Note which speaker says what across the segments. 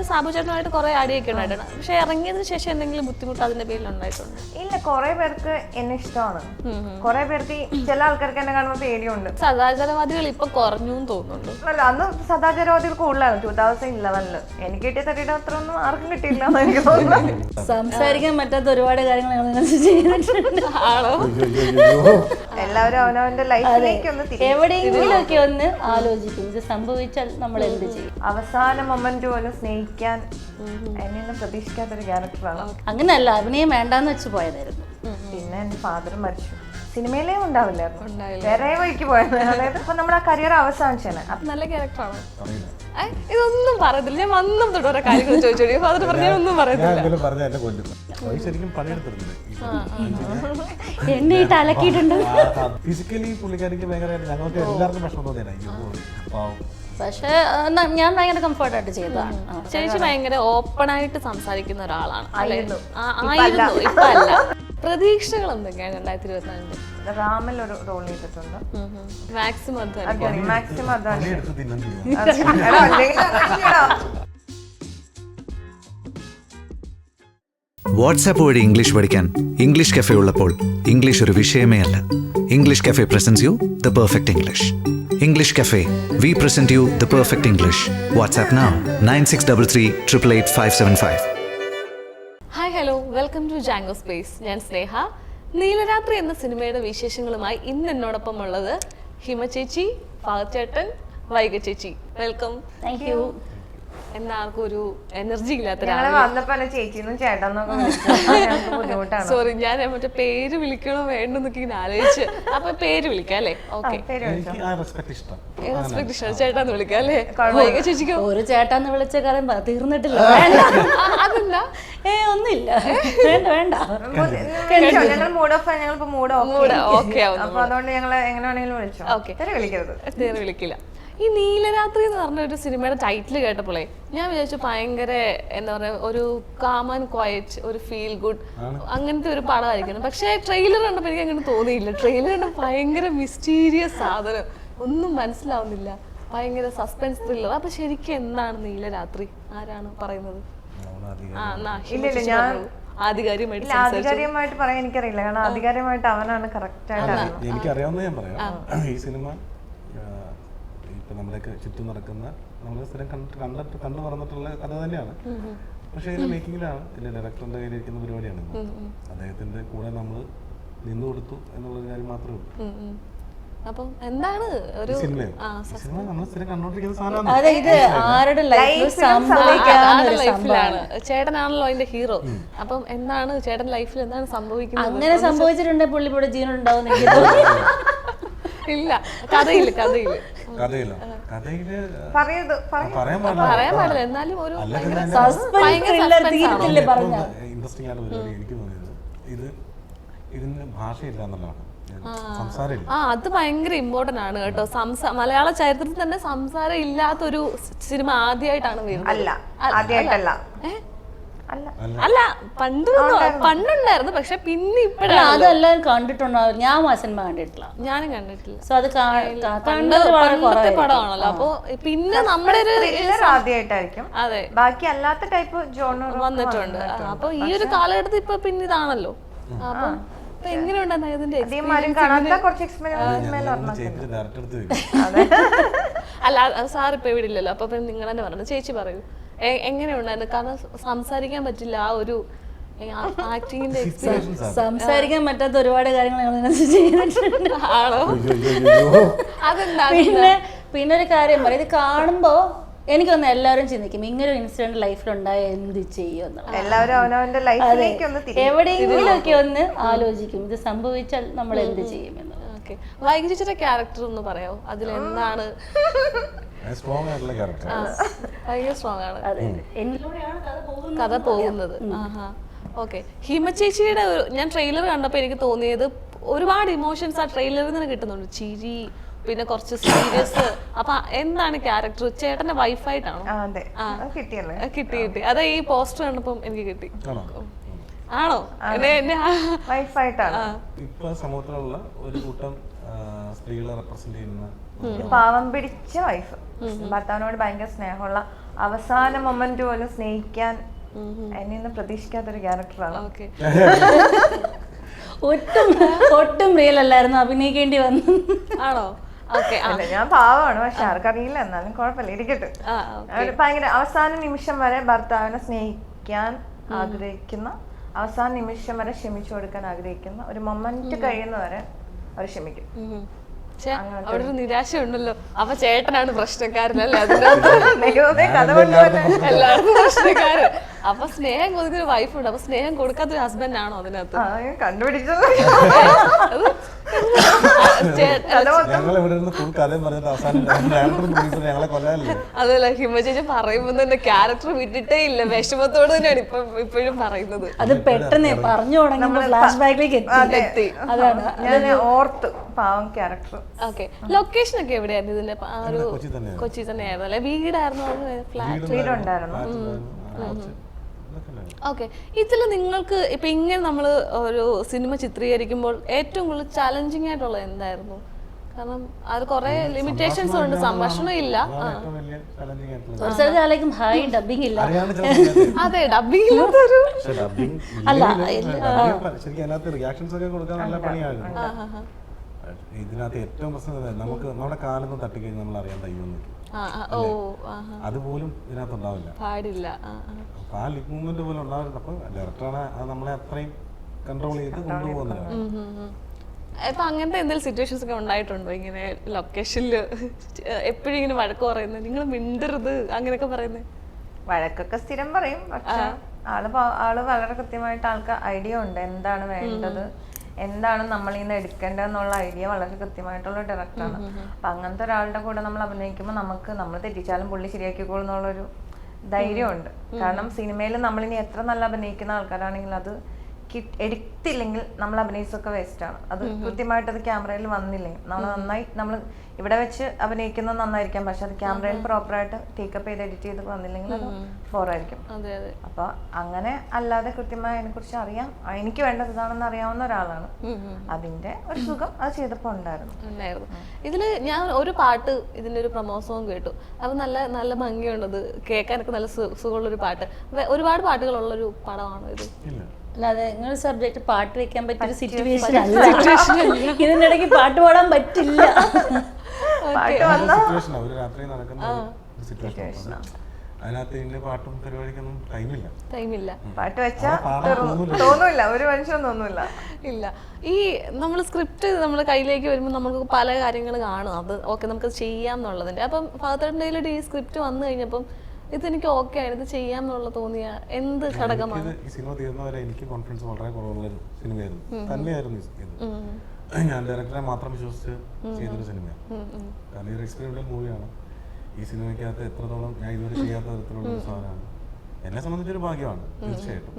Speaker 1: സാബു ചേട്ടനുമായിട്ട് കുറെ അടിയൊക്കെ ഉണ്ടായിട്ടുണ്ട്. പക്ഷെ ഇറങ്ങിയതിന് ശേഷം എന്തെങ്കിലും ബുദ്ധിമുട്ട് അതിന്റെ പേരിൽ ഉണ്ടായിട്ടുണ്ട്?
Speaker 2: ഇല്ല, കുറെ പേർക്ക് എന്നെ ഇഷ്ടമാണ്. കുറെ പേർക്ക് ചില ആൾക്കാർക്ക് എന്നെ കാണുമ്പോൾ പേടിയുണ്ട്.
Speaker 1: സദാചാരവാദികൾ ഇപ്പൊ കുറഞ്ഞു തോന്നുന്നുണ്ട്.
Speaker 2: അല്ല, അന്ന് സദാചാരവാദികൾ കൂടുതലാണ് 2011. എനിക്ക് കിട്ടിയ തട്ടിയുടെ അത്ര ഒന്നും ആർക്കും കിട്ടിയില്ല എന്ന് എനിക്ക് തോന്നുന്നു.
Speaker 3: സംസാരിക്കാൻ പറ്റാത്ത ഒരുപാട് കാര്യങ്ങൾ ചെയ്തിട്ടുണ്ട്.
Speaker 2: എല്ലാവരും അവനവന്റെ ലൈഫിലേക്ക് ഒന്ന്
Speaker 3: എവിടെയെങ്കിലും ഒക്കെ ഒന്ന് ആലോചിക്കും, ഇത് സംഭവിച്ചാൽ നമ്മൾ എന്ത് ചെയ്യും.
Speaker 2: അവസാന മൊമെന്റ് പോലും സ്നേഹിക്കാൻ എന്നെ പ്രതീക്ഷിക്കാത്തൊരു ക്യാരക്ടറാണ്.
Speaker 3: അങ്ങനെയല്ല, അഭിനയം വേണ്ടാന്ന് വെച്ച് പോയതായിരുന്നു.
Speaker 2: പിന്നെ എന്റെ ഫാദർ മരിച്ചു, സിനിമയിലേ ഉണ്ടാവില്ലായിരുന്നു, വേറെ വഴിക്ക് പോയത്. അതായത് ഇപ്പൊ നമ്മുടെ ആ കരിയർ അവസാനിച്ചാണ്.
Speaker 1: നല്ല ക്യാരക്ടറാണ്. ഇതൊന്നും പറയത്തില്ല, ഞാൻ വന്നും തൊട്ട് ഓരോ കാര്യങ്ങൾ ചോദിച്ചോടി. ഫാദർ പറഞ്ഞൊന്നും പറയത്തില്ല.
Speaker 3: എന്നെ ഇട്ട് അലക്കിയിട്ടുണ്ട്.
Speaker 4: ഫിസിക്കലി പുള്ളിക്കാരിക്ക് ഭയങ്കര, ഞങ്ങൾക്ക് എല്ലാവർക്കും പ്രശ്നം തോന്നിയായിരുന്നു.
Speaker 3: പക്ഷെ ഞാൻ ഭയങ്കര കംഫർട്ടായിട്ട് ചെയ്തതാണ്.
Speaker 1: ചേച്ചി ഭയങ്കര ഓപ്പൺ ആയിട്ട് സംസാരിക്കുന്ന ഒരാളാണ്. ആയിരുന്നു, ഇപ്പൊ അല്ല. പ്രതീക്ഷകൾ എന്തൊക്കെയാണ് 2024?
Speaker 2: റാമിൽ ഒരു റോൾ ചെയ്തിട്ടുണ്ട്.
Speaker 1: മാക്സിമം
Speaker 5: വാട്സാപ്പ് വഴി ഇംഗ്ലീഷ് പഠിക്കാൻ ഇംഗ്ലീഷ് കഫേ ഉള്ളപ്പോൾ ഇംഗ്ലീഷ് ഒരു വിഷയമേ അല്ല. English cafe presents you the perfect English. English Cafe. We present you the perfect English. WhatsApp now 9633 888 575.
Speaker 1: Hi, hello, welcome to Jango space. ഞാൻ സ്നേഹ. നീലരാത്രി എന്ന സിനിമയുടെ വിശേഷങ്ങളുമായി ഇന്ന് എന്നോടൊപ്പം ഉള്ളത് ഹിമ ചേച്ചി, ഫഹദ് ചേട്ടൻ, വൈഗ ചേച്ചി. വെൽക്കം.
Speaker 3: Thank you.
Speaker 1: എന്നാർക്കും ഒരു എനർജി ഇല്ലാത്ത
Speaker 2: ബുദ്ധിമുട്ടാണ്.
Speaker 1: സോറി, ഞാൻ മറ്റേ പേര് വിളിക്കണോ വേണ്ടെന്നൊക്കെ ഇങ്ങനെ ആലോചിച്ച്. അപ്പൊ പേര് വിളിക്കാം അല്ലേ? ഓക്കെ, റെസ്പെക്ട് ഇഷ്ടം, ചേട്ടാന്ന് വിളിക്കാം അല്ലേ? വൈഗ ചേച്ചിക്കോ?
Speaker 3: ഒരു ചേട്ടാന്ന് വിളിച്ച കാര്യം തീർന്നിട്ടില്ല.
Speaker 1: അതെന്താ?
Speaker 3: ഒന്നുമില്ല, വേണ്ട വേണ്ട.
Speaker 2: ഞങ്ങൾ മൂഡ് ഓഫ്, ഞങ്ങളിപ്പോ മൂഡ്
Speaker 1: ഓക്കെ.
Speaker 2: അപ്പൊ അതുകൊണ്ട് ഞങ്ങൾ എങ്ങനെ വേണമെങ്കിലും വിളിച്ചോ. ഓക്കെ, വിളിക്കരുത്,
Speaker 1: പേര് വിളിക്കില്ല. ഈ നീലരാത്രി എന്ന് പറഞ്ഞ ഒരു സിനിമയുടെ ടൈറ്റിൽ കേട്ടപ്പോളേ ഞാൻ വിചാരിച്ചു ഭയങ്കര എന്താ പറയാ, ഒരു കാം ആൻഡ് ക്വയറ്റ്, ഒരു ഫീൽ ഗുഡ് അങ്ങനത്തെ ഒരു പടമായിരിക്കണം. പക്ഷെ ട്രെയിലർ കണ്ടപ്പോൾ എനിക്ക് അങ്ങനെ തോന്നിയില്ല. ട്രെയിലർ കണ്ടപ്പോൾ ഭയങ്കര മിസ്റ്റീരിയസ് സാധനം, ഒന്നും മനസ്സിലാവുന്നില്ല, ഭയങ്കര സസ്പെൻസ് ത്രില്ലർ. അപ്പൊ ശരിക്കും എന്താണ് നീലരാത്രി? ആരാണ് പറയുന്നത്?
Speaker 2: ആധികാരികമായിട്ട് പറയാൻ എനിക്കറിയില്ല, കാരണം ആധികാരികമായിട്ട് അവനാണ് കറക്റ്റ് ആയിട്ട്.
Speaker 4: എനിക്കറിയാവുന്ന ഞാൻ പറയാം. ഈ സിനിമ ഇപ്പൊ നമ്മളൊക്കെ ചുറ്റും നടക്കുന്ന, നമ്മൾ സ്ഥിരം കണ്ടു പറഞ്ഞിട്ടുള്ള കഥ തന്നെയാണ്. പക്ഷെ ഇതിന്റെ മേക്കിങ്ങിലാണ്, ഇതിന്റെ ഡയറക്ടറിന്റെ കയ്യിലിരിക്കുന്ന പരിപാടിയാണ്. അദ്ദേഹത്തിന്റെ കൂടെ നമ്മൾ നിന്നു കൊടുത്തു എന്നുള്ളൊരു കാര്യം മാത്രമേ ഉള്ളൂ.
Speaker 1: അപ്പം എന്താണ് ഒരു
Speaker 4: സിനിമ നമ്മൾ സ്ഥിരം കണ്ടോണ്ടിരിക്കുന്ന സാധനമാണ്.
Speaker 1: ലൈഫിലാണ് ചേട്ടനാണല്ലോ അതിന്റെ ഹീറോ. അപ്പം എന്താണ് ചേട്ടൻ ലൈഫിൽ എന്താണ് സംഭവിക്കുന്നത്?
Speaker 3: അങ്ങനെ സംഭവിച്ചിട്ടുണ്ടെങ്കിൽ പുള്ളിയുടെ ജീവനുണ്ടാവും.
Speaker 1: ഇല്ല, കഥയില്ല
Speaker 4: പറയാൻ
Speaker 1: പാടില്ല. എന്നാലും ഒരു
Speaker 4: ഇൻട്രസ്റ്റിംഗ് ആയിട്ട് പരിപാടി എനിക്ക് തോന്നിയത് ഇതിന് ഭാഷയില്ല എന്നുള്ളതാണ്.
Speaker 1: അത് ഭയങ്കര ഇമ്പോർട്ടന്റ് ആണ് കേട്ടോ. മലയാള ചരിത്രത്തിൽ തന്നെ സംസാരം ഇല്ലാത്തൊരു സിനിമ ആദ്യമായിട്ടാണ് വരുന്നത്. അല്ല, പണ്ടുണ്ടായിരുന്നു, പക്ഷെ പിന്നെ ഇപ്പഴാണ്.
Speaker 3: അതെല്ലാം കണ്ടിട്ടുണ്ടാവും. ഞാൻ ആ സിനിമ കണ്ടിട്ടില്ല,
Speaker 1: ഞാനും കണ്ടിട്ടില്ല.
Speaker 3: സോ അത്
Speaker 1: പണ്ടത്തെ പടമാണല്ലോ. അപ്പൊ പിന്നെ നമ്മുടെ ഒരു
Speaker 2: ആദ്യമായിട്ടായിരിക്കും.
Speaker 1: അതെ,
Speaker 2: ബാക്കി അല്ലാത്ത ടൈപ്പ് ജോണർ
Speaker 1: വന്നിട്ടുണ്ട്. അപ്പൊ ഈ ഒരു കാലഘട്ടത്തിൽ ഇപ്പൊ പിന്നെ ഇതാണല്ലോ. അപ്പൊ എങ്ങനെയുണ്ടായിരുന്നു ഇതിന്റെ? അല്ല, സാർ ഇപ്പൊ ഇവിടെ ഇല്ലല്ലോ, അപ്പൊ നിങ്ങൾ തന്നെ പറഞ്ഞു. ചേച്ചി പറയൂ, എങ്ങനെയുണ്ടായിരുന്നു? കാരണം സംസാരിക്കാൻ പറ്റില്ല, ആ ഒരു ആക്ടിങ്ങിന്റെ
Speaker 3: സംസാരിക്കാൻ പറ്റാത്ത ഒരുപാട് കാര്യങ്ങൾ ചെയ്തിട്ടുണ്ട്.
Speaker 1: ആണോ? അതെന്താ?
Speaker 3: പിന്നെ ഒരു കാര്യം പറയാം, ഇത് കാണുമ്പോ എനിക്കൊന്ന് എല്ലാവരും ചിന്തിക്കും, ഇങ്ങനെ ഒരു ഇൻസിഡന്റ് ലൈഫിലുണ്ടായ എന്ത് ചെയ്യും.
Speaker 2: എല്ലാവരും അവനവന്റെ ലൈഫിലേക്ക്
Speaker 3: എവിടെയെങ്കിലും ഒക്കെ ഒന്ന് ആലോചിക്കും, ഇത് സംഭവിച്ചാൽ നമ്മൾ എന്ത് ചെയ്യുമെന്ന്.
Speaker 1: വൈഗ ചേച്ചിയുടെ ക്യാരക്ടർ ഒന്ന് പറയാമോ? അതിലെന്താണ്? ഭയങ്കര സ്ട്രോങ് ആണ് കഥ പോകുന്നത്. ഓക്കെ, ഹിമ ചേച്ചിയുടെ ഞാൻ ട്രെയിലർ കണ്ടപ്പോൾ എനിക്ക് തോന്നിയത് ഒരുപാട് ഇമോഷൻസ് ആ ട്രെയിലറിൽ നിന്ന് കിട്ടുന്നുണ്ട്. ചിരി, പിന്നെ കുറച്ച് സീരിയസ്. അപ്പൊ എന്താണ് ക്യാരക്ടർ? ചേട്ടന്റെ വൈഫായിട്ടാണോ? കിട്ടി. അതെ, ഈ പോസ്റ്റർ കണ്ടപ്പം എനിക്ക് കിട്ടി. ആണോ?
Speaker 2: വൈഫായിട്ടാണ്.
Speaker 4: ഇപ്പൊ സമൂഹത്തിലുള്ള ഒരു കൂട്ടം സ്ത്രീകളെ റെപ്രസെന്റ് ചെയ്യുന്ന
Speaker 2: പാവം പിടിച്ച വൈഫ്, ഭർത്താവിനോട് ഭയങ്കര സ്നേഹമുള്ള അവസാന മൊമെന്റ് പോലും സ്നേഹിക്കാൻ എന്നെ ഒന്നും പ്രതീക്ഷിക്കാത്തൊരു ക്യാരക്ടറാണ്.
Speaker 1: ഓക്കെ.
Speaker 3: ഒട്ടും റിയൽ അല്ലായിരുന്നു, അഭിനയിക്കേണ്ടി വന്നു.
Speaker 1: ആണോ? ഓക്കെ.
Speaker 2: അല്ല, ഞാൻ പാവമാണ്, പക്ഷെ ആർക്കറിയില്ല, എന്നാലും കുഴപ്പമില്ല, ഇരിക്കട്ടെ. ഭയങ്കര അവസാന നിമിഷം വരെ ഭർത്താവിനെ സ്നേഹിക്കാൻ ആഗ്രഹിക്കുന്ന, അവസാന നിമിഷം വരെ ക്ഷമിച്ചു കൊടുക്കാൻ ആഗ്രഹിക്കുന്ന, ഒരു മൊമെന്റ് കഴിയുന്നവരെ അവർ ക്ഷമിക്കും.
Speaker 1: അവിടെ ഒരു നിരാശ ഉണ്ടല്ലോ. അപ്പൊ ചേട്ടനാണ് പ്രശ്നക്കാരനല്ലേ? എല്ലാവർക്കും പ്രശ്നക്കാരൻ. അപ്പൊ സ്നേഹം കൊടുക്കുന്ന വൈഫുണ്ട്, അപ്പൊ സ്നേഹം കൊടുക്കാത്തൊരു ഹസ്ബൻഡ് ആണോ അതിനകത്ത്?
Speaker 2: കണ്ടുപിടിച്ചത്
Speaker 1: അതല്ല, ഹിമ ചേച്ചി പറയുമ്പോ തന്നെ ക്യാരക്ടർ വിട്ടിട്ടേ ഇല്ല, വിഷമത്തോട് തന്നെയാണ് ഇപ്പോഴും പറയുന്നത്.
Speaker 3: അത് പെട്ടെന്ന് പറഞ്ഞു തുടങ്ങുമ്പോൾ ഫ്ലാഷ് ബാക്കിലേക്ക് എത്തി. അതാണ്
Speaker 2: ഞാൻ ഓർത്ത് പാവം ക്യാരക്ടർ.
Speaker 1: ഓക്കെ. ലൊക്കേഷൻ ഒക്കെ എവിടെയായിരുന്നു ഇതിന്റെ? കൊച്ചി തന്നെയായിരുന്നു അല്ലെ? വീടായിരുന്നു? ഫ്ലാറ്റ്?
Speaker 2: വീടുണ്ടായിരുന്നു.
Speaker 1: ഓക്കെ. ഇതിൽ നിങ്ങൾക്ക് ഇപ്പൊ ഇങ്ങനെ നമ്മൾ ഒരു സിനിമ ചിത്രീകരിക്കുമ്പോൾ ഏറ്റവും കൂടുതൽ ചാലഞ്ചിങ് ആയിട്ടുള്ളത് എന്തായിരുന്നു? കാരണം അത് കുറെ ലിമിറ്റേഷൻസ് ഉണ്ട്, സംഭാഷണം ഇല്ല.
Speaker 3: ഹായ് ഡബിങ് ഇല്ല.
Speaker 1: അതെ, ഡബിങ് ഇല്ലാത്തൊരു
Speaker 3: അല്ല.
Speaker 4: ഇതിനകത്ത് ഏറ്റവും പ്രശ്നം നമുക്ക് നമ്മുടെ കാലൊന്നും തട്ടിക്കഴിഞ്ഞ് നമ്മൾ അറിയാൻ തയ്യുന്നു. അതുപോലും ഇതിനകത്ത് ഉണ്ടാവില്ല,
Speaker 1: പാടില്ല.
Speaker 4: അപ്പൊ ആ ലിപ് മൂവ്മെന്റ് പോലും ഉണ്ടാവില്ല. അപ്പൊ ഡയറക്ടറാണ് അത് നമ്മളെ അത്രയും കൺട്രോൾ ചെയ്ത് കൊണ്ടുപോകുന്നത്.
Speaker 1: ഇപ്പൊ അങ്ങനത്തെ എന്തെങ്കിലും സിറ്റുവേഷൻസ് ഒക്കെ ഉണ്ടായിട്ടുണ്ടോ ഇങ്ങനെ ലൊക്കേഷനിൽ എപ്പോഴും ഇങ്ങനെ വഴക്ക് പറയുന്നത്, നിങ്ങൾ മിണ്ടരുത് അങ്ങനെയൊക്കെ പറയുന്നത്?
Speaker 2: വഴക്കൊക്കെ സ്ഥിരം പറയും, പക്ഷെ ആള് വളരെ കൃത്യമായിട്ട് ആൾക്ക് ഐഡിയ ഉണ്ട് എന്താണ് വേണ്ടത്, എന്താണ് നമ്മൾ ഇന്ന് എടുക്കേണ്ടതെന്നുള്ള ഐഡിയ വളരെ കൃത്യമായിട്ടുള്ള ഡയറക്ടറാണ്. അപ്പൊ അങ്ങനത്തെ ഒരാളുടെ കൂടെ നമ്മൾ അഭിനയിക്കുമ്പോൾ നമ്മൾ തെറ്റിച്ചാലും പുള്ളി ശരിയാക്കിക്കോളും എന്നുള്ളൊരു ധൈര്യമുണ്ട്. കാരണം സിനിമയിൽ നമ്മളിനി എത്ര നല്ല അഭിനയിക്കുന്ന ആൾക്കാരാണെങ്കിൽ അത് എടുത്തില്ലെങ്കിൽ നമ്മൾ അഭിനയിച്ചൊക്കെ വേസ്റ്റ് ആണ്. അത് കൃത്യമായിട്ട് അത് ക്യാമറയിൽ വന്നില്ലെങ്കിൽ നമ്മൾ ഇവിടെ വെച്ച് അഭിനയിക്കുന്നത് നന്നായിരിക്കാം, പക്ഷെ അത് ക്യാമറയിൽ പ്രോപ്പറായിട്ട് ടേക്കപ്പ് ചെയ്ത് എഡിറ്റ് ചെയ്ത് വന്നില്ലെങ്കിൽ അത് ബോറായിരിക്കും. അപ്പൊ അങ്ങനെ അല്ലാതെ കൃത്യമായി അതിനെ കുറിച്ച് അറിയാം, എനിക്ക് വേണ്ടത് ഇതാണെന്ന് അറിയാവുന്ന ഒരാളാണ്. അതിന്റെ ഒരു സുഖം അത് ചെയ്തപ്പോ ഉണ്ടായിരുന്നു.
Speaker 1: ഇതില് ഞാൻ ഒരു പാട്ട്, ഇതിന്റെ ഒരു പ്രമോസവും കേട്ടു. അത് നല്ല നല്ല ഭംഗിയുള്ളത്, കേൾക്കാനൊക്കെ നല്ല സുഖമുള്ളൊരു പാട്ട്. ഒരുപാട് പാട്ടുകളുള്ളൊരു പടമാണോ ഇത്?
Speaker 3: അല്ലാതെ നിങ്ങളുടെ സബ്ജക്ട് പാട്ട് വെക്കാൻ പറ്റിയൊരു സിറ്റുവേഷൻ അല്ല. ഇതിന്റെ ഇടയ്ക്ക് പാട്ട് പാടാൻ പറ്റില്ല.
Speaker 4: പാട്ടും പരിപാടിക്കൊന്നും ടൈമില്ല.
Speaker 2: പാട്ട് വെച്ചാൽ തോന്നൂല്ല, ഒരു മനുഷ്യനും തോന്നൂല്ല.
Speaker 1: ഇല്ല. ഈ നമ്മൾ സ്ക്രിപ്റ്റ് നമ്മുടെ കയ്യിലേക്ക് വരുമ്പോൾ നമുക്ക് പല കാര്യങ്ങൾ കാണും, അത് ഓക്കെ നമുക്ക് ചെയ്യാം എന്നുള്ളതിന്റെ. അപ്പം ഫാദറിന്റെ ഈ സ്ക്രിപ്റ്റ് വന്നു കഴിഞ്ഞപ്പം ഇതെനിക്ക് ഓക്കെ ആണ്, ഇത് ചെയ്യാം എന്നുള്ള തോന്നിയ എന്ത് ഘടകമാണ്?
Speaker 4: ഈ സിനിമ തീർന്നവരെ എനിക്ക് കോൺഫിഡൻസ് വളരെ കുറവുള്ളൊരു സിനിമയായിരുന്നു തന്നെയായിരുന്നു. ഞാൻ ഡയറക്ടറെ മാത്രം വിശ്വസിച്ച് ചെയ്തൊരു സിനിമയാണ്. കാരണം ഈ ഒരു എക്സ്പെരിമെന്റൽ മൂവിയാണ്. ഈ സിനിമയ്ക്കകത്ത് എത്രത്തോളം ഞാൻ ഇതുവരെ ചെയ്യാത്ത തരത്തിലുള്ള ഒരു സാധനമാണ്. എന്നെ സംബന്ധിച്ചൊരു ഭാഗ്യമാണ് തീർച്ചയായിട്ടും.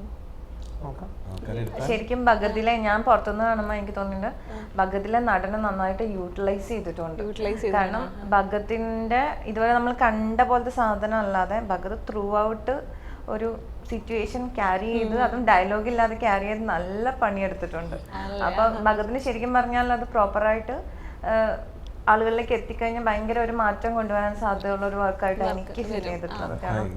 Speaker 2: ശരിക്കും ഭഗതിലെ ഞാൻ പുറത്തുനിന്ന് കാണുമ്പോൾ എനിക്ക് തോന്നുന്നുണ്ട് ഭഗതിലെ നടനെ നന്നായിട്ട് യൂട്ടിലൈസ് ചെയ്തിട്ടുണ്ട്. കാരണം ഭഗത്തിന്റെ ഇതുവരെ നമ്മൾ കണ്ട പോലത്തെ സാധനം അല്ലാതെ ഭഗത് ത്രൂ ഔട്ട് ഒരു സിറ്റുവേഷൻ ക്യാരി ചെയ്ത്, അതും ഡയലോഗ് ഇല്ലാതെ ക്യാരി ചെയ്ത് നല്ല പണിയെടുത്തിട്ടുണ്ട്. അപ്പൊ ഭഗതിന് ശരിക്കും പറഞ്ഞാൽ അത് പ്രോപ്പറായിട്ട് ആളുകളിലേക്ക് എത്തിക്കഴിഞ്ഞാൽ ഭയങ്കര ഒരു മാറ്റം കൊണ്ടുവരാൻ സാധ്യതയുള്ള ഒരു വർക്കായിട്ട് എനിക്ക് ഫീൽ ചെയ്തിട്ടുള്ളത്.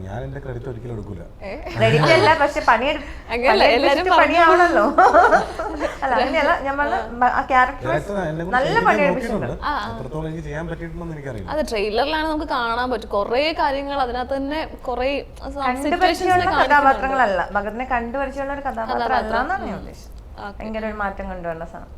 Speaker 2: ക്രെഡിറ്റ് അല്ല, പക്ഷെ പണിയാവണല്ലോ. അല്ല അങ്ങനെയല്ല, നമ്മൾ ആ ക്യാരക്ടർ നല്ല പണിയെടുപ്പിച്ചിട്ടുണ്ട്.
Speaker 1: അത് ട്രെയിലറിലാണ് നമുക്ക് കാണാൻ പറ്റും കുറെ കാര്യങ്ങൾ അതിനകത്ത് തന്നെ. കുറെ
Speaker 2: കണ്ടുപരിചയമുള്ള കഥാപാത്രങ്ങളല്ല, ഭഗതിനെ കണ്ടുപരിചയമുള്ള ഒരു കഥാപാത്രം അല്ല എന്നാണ് ഞാൻ ഉദ്ദേശിച്ചത്. ഭയങ്കര ഒരു മാറ്റം കൊണ്ടുവരുന്ന സാധനം.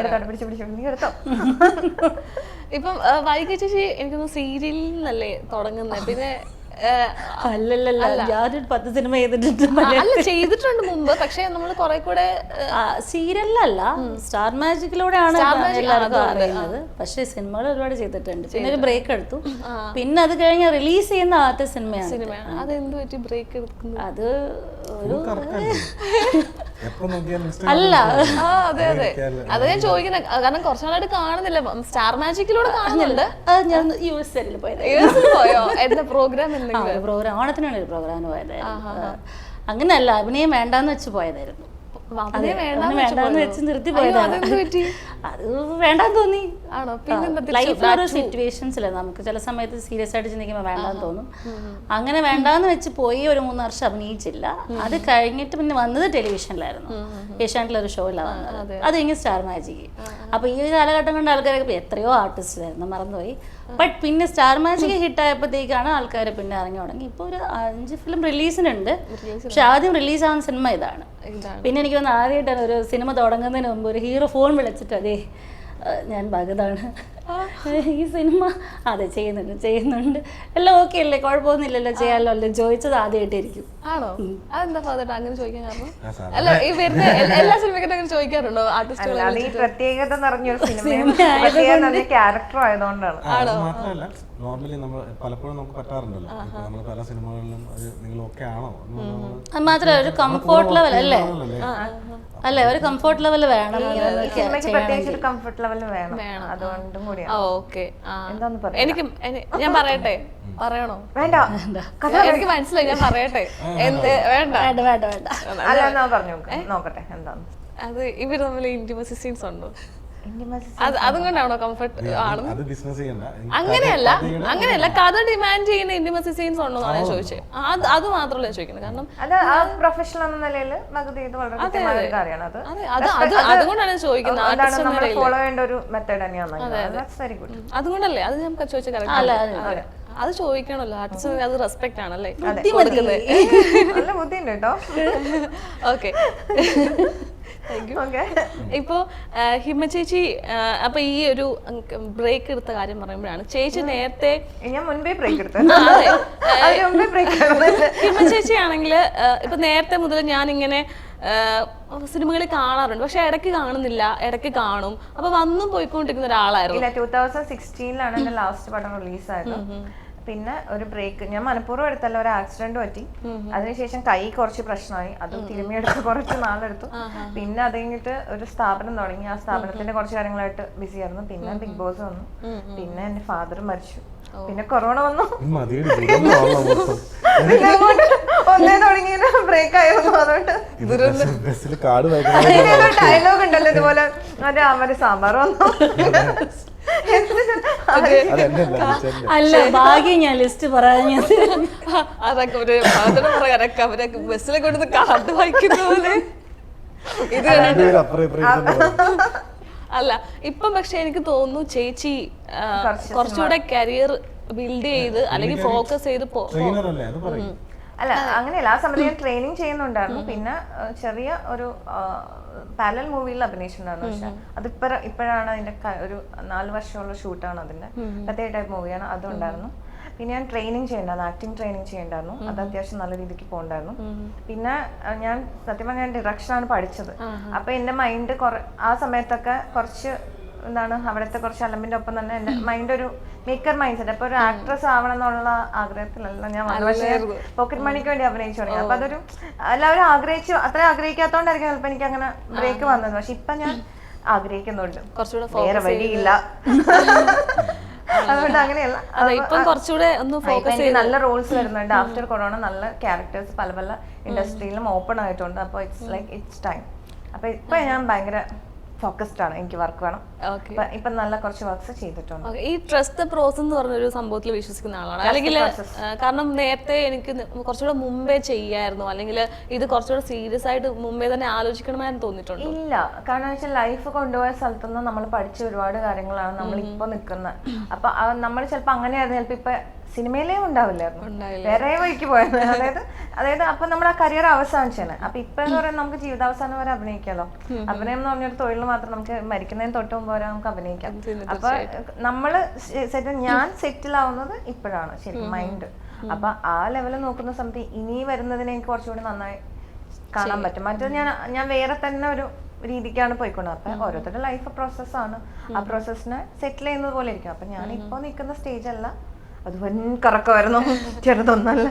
Speaker 1: ഇപ്പം വൈകി ചേച്ചി എനിക്കൊന്ന് സീരിയലിൽ നിന്നല്ലേ തുടങ്ങുന്നത്? പിന്നെ
Speaker 3: അല്ലല്ല, ഞാനൊരു 10 സിനിമ
Speaker 1: ചെയ്തിട്ടുണ്ട് മുമ്പ്, പക്ഷെ നമ്മൾ കുറെ കൂടെ
Speaker 3: സീരിയലല്ല സ്റ്റാർ മാജിക്കിലൂടെയാണ് എല്ലാവർക്കും അറിയുന്നത്. പക്ഷെ സിനിമകൾ ഒരുപാട് ചെയ്തിട്ടുണ്ട്. പിന്നെ ഒരു ബ്രേക്ക് എടുത്തു. പിന്നെ അത് കഴിഞ്ഞ് റിലീസ് ചെയ്യുന്ന ആദ്യത്തെ സിനിമയാണ്.
Speaker 1: അത് എന്ത് പറ്റി ബ്രേക്ക് എടുക്കുന്നത്?
Speaker 3: അത് ഒരു
Speaker 1: അല്ല, അതെ അതെ, അത് ഞാൻ ചോദിക്കുന്നത്. കാരണം കുറച്ചു നാളായിട്ട് കാണുന്നില്ല, സ്റ്റാർ മാജിക്കിലൂടെ കാണുന്നുണ്ട്.
Speaker 3: ഞാൻ യുഎസ്
Speaker 1: പോയോ? എന്താ പ്രോഗ്രാം?
Speaker 3: പ്രോഗ്രാം ഓണത്തിനാണ് ഒരു പ്രോഗ്രാമിന് പോയത്. അങ്ങനെയല്ല, അഭിനയം വേണ്ടാന്ന് വെച്ച് പോയതായിരുന്നു. വേണ്ടാന്ന് വെച്ച് നിർത്തി പോയതാണ്. അത് വേണ്ടാന്ന് തോന്നി.
Speaker 1: ആണോ? പിന്നെ
Speaker 3: ലൈഫിൽ ഓരോ സിറ്റുവേഷൻസില്ല, നമുക്ക് ചില സമയത്ത് സീരിയസ് ആയിട്ട് ചിന്തിക്കുമ്പോൾ വേണ്ടാന്ന് തോന്നും. അങ്ങനെ വേണ്ടാന്ന് വെച്ച് പോയി ഒരു 3 വർഷം അഭിനയിച്ചില്ല. അത് കഴിഞ്ഞിട്ട് പിന്നെ വന്നത് ടെലിവിഷനിലായിരുന്നു, ഏഷ്യാനെറ്റിലൊരു ഷോയിലാണ് വന്നത്. അത് കഴിഞ്ഞ് സ്റ്റാർ മാജിക്. അപ്പോൾ ഈ കാലഘട്ടം കൊണ്ട് ആൾക്കാരൊക്കെ എത്രയോ ആർട്ടിസ്റ്റിലായിരുന്നു, മറന്നുപോയി. ബട്ട് പിന്നെ സ്റ്റാർ മാജിക് ഹിറ്റായപ്പോഴത്തേക്കാണ് ആൾക്കാർ പിന്നെ ഇറങ്ങി തുടങ്ങി. ഇപ്പോൾ ഒരു 5 ഫിലിം റിലീസിനുണ്ട്. പക്ഷെ ആദ്യം റിലീസാവുന്ന സിനിമ ഇതാണ്. പിന്നെ എനിക്ക് വന്ന് ആദ്യമായിട്ടാണ് ഒരു സിനിമ തുടങ്ങുന്നതിന് മുമ്പ് ഒരു ഹീറോ ഫോൺ വിളിച്ചിട്ട് അതെ ഞാൻ ഭഗതാണ്, ഈ സിനിമ അതെ ചെയ്യുന്നുണ്ട് എല്ലാം ഓക്കെ അല്ലേ, കുഴപ്പമൊന്നുമില്ലല്ലോ, ചെയ്യാമല്ലോ അല്ലേ ചോദിച്ചത് ആദ്യമായിട്ടായിരിക്കും.
Speaker 1: ആണോ? അതെന്താ ഫാദർ അങ്ങനെ ചോദിക്കാൻ കാരണം? അല്ല, ഈ വരുന്ന എല്ലാ സിനിമയ്ക്കും അങ്ങനെ ചോദിക്കാറുണ്ടോ ആർട്ടിസ്റ്റുകൾ?
Speaker 2: അത് ഈ പ്രത്യേകത നിറഞ്ഞൊരു സിനിമ ക്യാരക്ടർ ആയതുകൊണ്ടാണ്.
Speaker 4: മാത്രമല്ല നോർമലി നമ്മൾ പലപ്പോഴും നമുക്ക് പറ്റാറുണ്ടല്ലോ, നമ്മൾ പല സിനിമകളിലും അത് നിങ്ങൾ ഓക്കെ ആണോ
Speaker 3: അത് മാത്രമല്ല ഒരു കംഫോർട്ട് ലെവൽ അല്ലേ, അല്ലേ ഒരു കംഫോർട്ട് ലെവൽ വേണം.
Speaker 2: സിനിമയ്ക്ക് പ്രത്യേകിച്ച് ഒരു കംഫർട്ട് ലെവൽ വേണം, അതുകൊണ്ടും കൂടിയാണ്.
Speaker 1: ഓക്കെ,
Speaker 2: എന്താന്ന് പറയാ?
Speaker 1: എനിക്ക് ഞാൻ പറയട്ടെ? പറയണോ?
Speaker 2: വേണ്ട,
Speaker 1: എനിക്ക് മനസ്സിലായി, ഞാൻ പറയട്ടെ? വേണ്ട
Speaker 3: വേണ്ട വേണ്ട വേണ്ട
Speaker 2: അല്ല എന്നാ പറഞ്ഞു നോക്കട്ടെ എന്താന്ന്.
Speaker 1: അത് ഇവര് തമ്മിൽ ഇന്റിമസി സീൻസ് ഉണ്ടോ? അതും കൊണ്ടാണോ കംഫർട്ട് ആണ്? അങ്ങനെയല്ല കഥ ഡിമാൻഡ് ചെയ്യുന്ന ഇന്റിമസി സീൻസ് ഉണ്ടോ എന്നാണ് ഞാൻ ചോദിച്ചത്. അത് മാത്രമല്ല ഞാൻ ചോദിക്കുന്നത്. കാരണം
Speaker 2: അത് ആ പ്രൊഫഷണൽ എന്ന നിലയിൽ വളരെ കാര്യമാണ്.
Speaker 1: അതുകൊണ്ടാണ് ചോദിക്കുന്നത്.
Speaker 2: ഫോളോ ചെയ്യേണ്ട ഒരു മെത്തേഡ് തന്നെയാണ്. Very good.
Speaker 1: അതുകൊണ്ടല്ലേ അത് ഞാൻ ചോദിച്ച അത് ചോദിക്കണല്ലോ, ആർട്ടിസ്റ്റ് അത് റെസ്പെക്ട് ആണല്ലേ.
Speaker 2: നല്ല ബുദ്ധിയുണ്ട് കേട്ടോ.
Speaker 1: ഓക്കെ, ഇപ്പോ ഹിമ ചേച്ചി അപ്പൊ ഈ ഒരു ബ്രേക്ക് എടുത്ത കാര്യം പറയുമ്പോഴാണ് ചേച്ചി നേരത്തെ
Speaker 2: ഞാൻ മുൻപേ ബ്രേക്ക് എടുത്തു.
Speaker 1: ഹിമ ചേച്ചി ആണെങ്കിൽ ഇപ്പൊ നേരത്തെ മുതൽ ഞാനിങ്ങനെ സിനിമകളിൽ കാണാറുണ്ട്, പക്ഷെ ഇടയ്ക്ക് കാണുന്നില്ല, ഇടയ്ക്ക് കാണും. അപ്പൊ വന്നും പോയിക്കൊണ്ടിരിക്കുന്ന ഒരാളായിരുന്നു.
Speaker 2: 2016 എന്റെ ലാസ്റ്റ് പടം റിലീസായത്. പിന്നെ ഒരു ബ്രേക്ക് ഞാൻ മനഃപൂർവ്വം എടുത്തല്ല, ഒരു ആക്സിഡന്റ് പറ്റി. അതിനുശേഷം കൈ കുറച്ച് പ്രശ്നമായി, അത് തിരുമ്മിയെടുത്ത് കുറച്ച് നാളെടുത്തു. പിന്നെ അത് കഴിഞ്ഞിട്ട് ഒരു സ്ഥാപനം തുടങ്ങി, ആ സ്ഥാപനത്തിന്റെ കുറച്ച് കാര്യങ്ങളായിട്ട് ബിസി ആയിരുന്നു. പിന്നെ ബിഗ് ബോസ് വന്നു, പിന്നെ എന്റെ ഫാദർ മരിച്ചു, പിന്നെ കൊറോണ വന്നു. ഒന്നേ തുടങ്ങിയ ബ്രേക്ക് ആയിരുന്നു. അതുകൊണ്ട് ഡയലോഗ് ഉണ്ടല്ലോ ഇതുപോലെ, അവര് സാമ്പാർ വന്നു.
Speaker 3: അല്ല ഭാഗ്യം ഞാൻ ലിസ്റ്റ് പറഞ്ഞത്.
Speaker 1: അതൊക്കെ ഒരു പറയാനൊക്കെ അവരൊക്കെ ബസ്സിലെ കൊടുത്ത് കാർഡ് വായിക്കുന്ന പോലെ ഇത് അല്ല. ഇപ്പം പക്ഷെ എനിക്ക് തോന്നുന്നു ചേച്ചി കുറച്ചുകൂടെ കരിയർ ബിൽഡ് ചെയ്ത് അല്ലെങ്കിൽ ഫോക്കസ് ചെയ്ത്
Speaker 2: അല്ല അങ്ങനെയല്ല. ആ സമയത്ത് ഞാൻ ട്രെയിനിങ് ചെയ്യുന്നുണ്ടായിരുന്നു. പിന്നെ ചെറിയ ഒരു പാരലൽ മൂവിയിൽ അഭിനയിച്ചിട്ടുണ്ടായിരുന്നു. പക്ഷെ ഇപ്പോഴാണ് അതിന്റെ ഒരു 4 വർഷമുള്ള ഷൂട്ടാണ്, അതിന്റെ പ്രത്യേക ടൈപ്പ് മൂവിയാണ്. അതുണ്ടായിരുന്നു. പിന്നെ ഞാൻ ട്രെയിനിങ് ചെയ്യണ്ടായിരുന്നു, ആക്ടിങ് ട്രെയിനിങ് ചെയ്യണ്ടായിരുന്നു. അത് അത്യാവശ്യം നല്ല രീതിക്ക് പോകണ്ടായിരുന്നു. പിന്നെ ഞാൻ സത്യം പറഞ്ഞാൽ ഞാൻ ഡിറക്ഷനാണ് പഠിച്ചത്. അപ്പൊ എന്റെ മൈൻഡ് ആ സമയത്തൊക്കെ കുറച്ച് എന്താണ് അവിടുത്തെ കുറച്ച് അലമ്പിന്റെ ഒപ്പം തന്നെ എന്റെ മൈൻഡ് ഒരു മേക്കർ മൈൻഡ് സെറ്റ്. അപ്പൊ ഒരു ആക്ട്രസ് ആവണം എന്നുള്ള ആഗ്രഹത്തിലല്ല ഞാൻ പക്ഷേ പോക്കറ്റ് മണിക്ക് വേണ്ടി അഭിനയിച്ചു തുടങ്ങി. അപ്പൊ അതൊരു എല്ലാവരും അത്ര ആഗ്രഹിക്കാത്തോണ്ടായിരിക്കും ചിലപ്പോ എനിക്ക് അങ്ങനെ ബ്രേക്ക് വന്നത്. പക്ഷെ ഇപ്പൊ ഞാൻ ആഗ്രഹിക്കുന്നുണ്ട്, വേറെ വഴിയില്ല. അതുകൊണ്ട് അങ്ങനെയല്ല, നല്ല റോൾസ് വരുന്നുണ്ട്. ആഫ്റ്റർ കൊറോണ നല്ല ക്യാരക്ടേഴ്സ് പല പല ഇൻഡസ്ട്രിയിലും ഓപ്പൺ ആയിട്ടുണ്ട്. അപ്പൊ ഇറ്റ്സ് ലൈക്ക് ഇറ്റ്സ് ടൈം. അപ്പൊ ഇപ്പൊ ഞാൻ ഭയങ്കര ഫോക്കസ്ഡ് ആണ്, എനിക്ക് വർക്ക് വേണം. ഇപ്പൊ നല്ല കുറച്ച് വർക്ക്സ് ചെയ്തിട്ടുണ്ട്.
Speaker 1: ഈ ട്രസ്റ്റ് ദ പ്രോസസ് എന്ന് പറഞ്ഞൊരു സംഭവത്തിൽ വിശ്വസിക്കുന്ന ആളാണ് അല്ലെങ്കിൽ? കാരണം നേരത്തെ എനിക്ക് കുറച്ചുകൂടെ മുമ്പേ ചെയ്യായിരുന്നു, അല്ലെങ്കിൽ ഇത് കുറച്ചുകൂടെ സീരിയസ് ആയിട്ട് മുമ്പേ തന്നെ ആലോചിക്കണമായിരുന്നു തോന്നിയിട്ടുണ്ട്?
Speaker 2: ഇല്ല, കാരണം വെച്ചാൽ ലൈഫ് കൊണ്ടുപോയ സ്ഥലത്തുനിന്ന് നമ്മൾ പഠിച്ച ഒരുപാട് കാര്യങ്ങളാണ് നമ്മൾ ഇപ്പൊ നിൽക്കുന്നത്. അപ്പൊ നമ്മൾ ചിലപ്പോ അങ്ങനെയായിരുന്നു, ചിലപ്പോ ഇപ്പൊ സിനിമയിലേ ഉണ്ടാവില്ലായിരുന്നു, വേറെ വഴിക്ക് പോയത്. അതായത് അപ്പൊ നമ്മുടെ ആ കരിയർ അവസാനിച്ചാണ്. അപ്പൊ ഇപ്പൊ എന്ന് പറയുന്നത് നമുക്ക് ജീവിതാവസാനം വരെ അഭിനയിക്കാമല്ലോ. അഭിനയം എന്ന് പറഞ്ഞൊരു തൊഴിൽ മാത്രം, നമുക്ക് മരിക്കുന്നതിന് തൊട്ട് മുമ്പ് വരെ നമുക്ക് അഭിനയിക്കാം. അപ്പൊ നമ്മള് ഞാൻ സെറ്റിൽ ആവുന്നത് ഇപ്പോഴാണ് ശരിക്കും മൈൻഡ്. അപ്പൊ ആ ലെവലിൽ നോക്കുന്ന സമയത്ത് ഇനി വരുന്നതിനെ എനിക്ക് കുറച്ചുകൂടി നന്നായി കാണാൻ പറ്റും. മറ്റേത് ഞാൻ വേറെ തന്നെ ഒരു രീതിക്കാണ് പോയിക്കൊണ്ടത്. അപ്പൊ ഓരോരുത്തരുടെ ലൈഫ് പ്രോസസ്സാണ്, ആ പ്രോസസ്സിനെ സെറ്റിൽ ചെയ്യുന്നത് പോലെ ഇരിക്കും. അപ്പൊ ഞാൻ ഇപ്പൊ നിൽക്കുന്ന സ്റ്റേജ് അല്ല, അത് വൻ കറക്കമായിരുന്നു, ചെറുതൊന്നല്ല.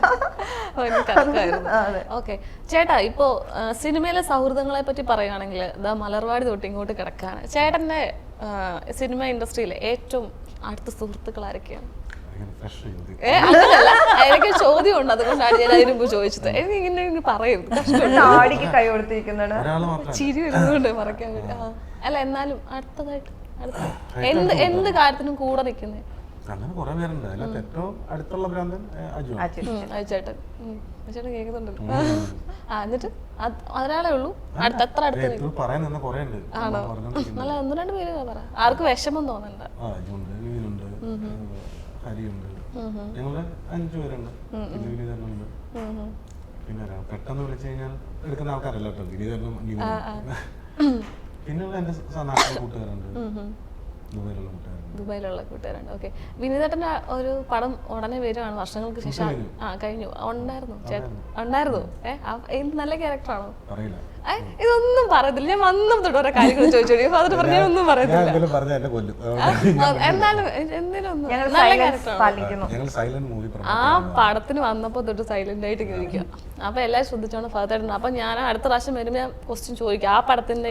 Speaker 1: ഓക്കെ ചേട്ടാ, ഇപ്പോ സിനിമയിലെ സൗഹൃദങ്ങളെ പറ്റി പറയുകയാണെങ്കിൽ മലർവാടി തൊട്ട് ഇങ്ങോട്ട് കിടക്കാണ്. ചേട്ടന്റെ സിനിമ ഇൻഡസ്ട്രിയിലെ ഏറ്റവും അടുത്ത സുഹൃത്തുക്കൾ ആരൊക്കെയാണ്? അങ്ങനല്ല, എനിക്ക് ചോദ്യം ഉണ്ട്, അതുകൊണ്ടാണ് ഞാൻ അതിന് മുമ്പ് ചോദിച്ചത്. എനിക്ക് ഇങ്ങനെ പറയരുത്,
Speaker 2: കൈ കൊടുത്തിരിക്കുന്നുണ്ട്,
Speaker 1: ചിരി വരുന്നുണ്ട് പറയാൻ വേണ്ടി. അല്ല എന്നാലും അടുത്തതായിട്ട് എന്ത് കാര്യത്തിനും കൂടെ നിൽക്കുന്നത്?
Speaker 4: അങ്ങനെ കുറെ പേരുണ്ട്. അതിനകത്ത് ഏറ്റവും അടുത്തുള്ള ഭ്രാന്തൻ അജു.
Speaker 1: അയച്ചേട്ടൻ അയച്ചേട്ടൻ കേൾക്കുന്നുണ്ട്. എന്നിട്ട് ഒരാളേ ഉള്ളൂ എത്ര അടുത്ത്
Speaker 4: പറയാൻ നിന്ന് കുറെ ഉണ്ട്.
Speaker 1: ആണോ? നല്ല 1-2 പേര് പറ, ആർക്കും വിഷമം തോന്നണ്ട.
Speaker 4: അജുണ്ട്, വിനീനുണ്ട്, ഹരിയുണ്ട്, ഞങ്ങള് 5 പേരുണ്ട്. വിനീതനുണ്ട്. പിന്നെ പെട്ടെന്ന് വിളിച്ചു കഴിഞ്ഞാൽ എടുക്കുന്ന ആൾക്കാരല്ല കേട്ടോ. വിനീതനും പിന്നെയുള്ള എന്റെ നാട്ടിലെ കൂട്ടുകാരുണ്ട്, ദുബൈയിലുള്ള കൂട്ടുകാരുണ്ട്.
Speaker 1: ദുബായിലുള്ള കൂട്ടുകാരുണ്ട്. ഓക്കെ. വിനീതേട്ടൻ്റെ ഒരു പടം ഉടനെ വരുവാണ് വർഷങ്ങൾക്ക് ശേഷം. കഴിഞ്ഞു. ഉണ്ടായിരുന്നു ചേട്ടൻ? ഉണ്ടായിരുന്നു. എന്ത് നല്ല ക്യാരക്ടറാണോ?
Speaker 4: അറിയില്ല.
Speaker 1: ഇതൊന്നും പറയത്തില്ല. ഞാൻ വന്നും തൊട്ട് ഓരോ കാര്യങ്ങൾ ചോദിച്ചോടി. ഫാദർ പറഞ്ഞൊന്നും പറയത്തില്ല. എന്നാലും എന്തിനും നല്ല ക്യാരക്ടറാണ്. ആ പടത്തിന് വന്നപ്പോ തൊട്ട് സൈലന്റ് ആയിട്ട് ഇരിക്കുക. അപ്പൊ എല്ലാവരും ശ്രദ്ധിച്ചോണ്ട് ഫാദർ. അപ്പൊ ഞാൻ അടുത്ത പ്രാവശ്യം വരുമ്പോ ഞാൻ ക്വസ്റ്റ്യൻ ചോദിക്കും. ആ പടത്തിന്റെ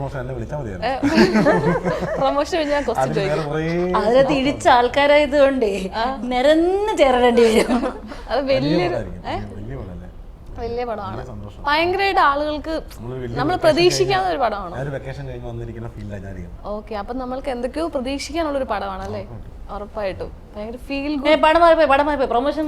Speaker 1: പ്രൊമോഷൻ ഞാൻ ക്വസ്റ്റ്യൻ ചോദിക്കും.
Speaker 3: അതിനെ തിരിച്ച ആൾക്കാരായതുകൊണ്ടേ നിരന്ന് ചേരേണ്ടി വരും.
Speaker 1: അത് വലിയ പടമാണ്. ഭയങ്കരമായിട്ട് ആളുകൾക്ക് നമ്മൾ പ്രതീക്ഷിക്കാവുന്ന ഒരു പടമാണ്. ഓക്കെ. അപ്പൊ നമ്മൾക്ക് എന്തൊക്കെയോ പ്രതീക്ഷിക്കാനുള്ള ഒരു പടമാണ് അല്ലേ? ഉറപ്പായിട്ടും ഭയങ്കര ഫീൽ
Speaker 3: പടമായി പ്രൊമോഷൻ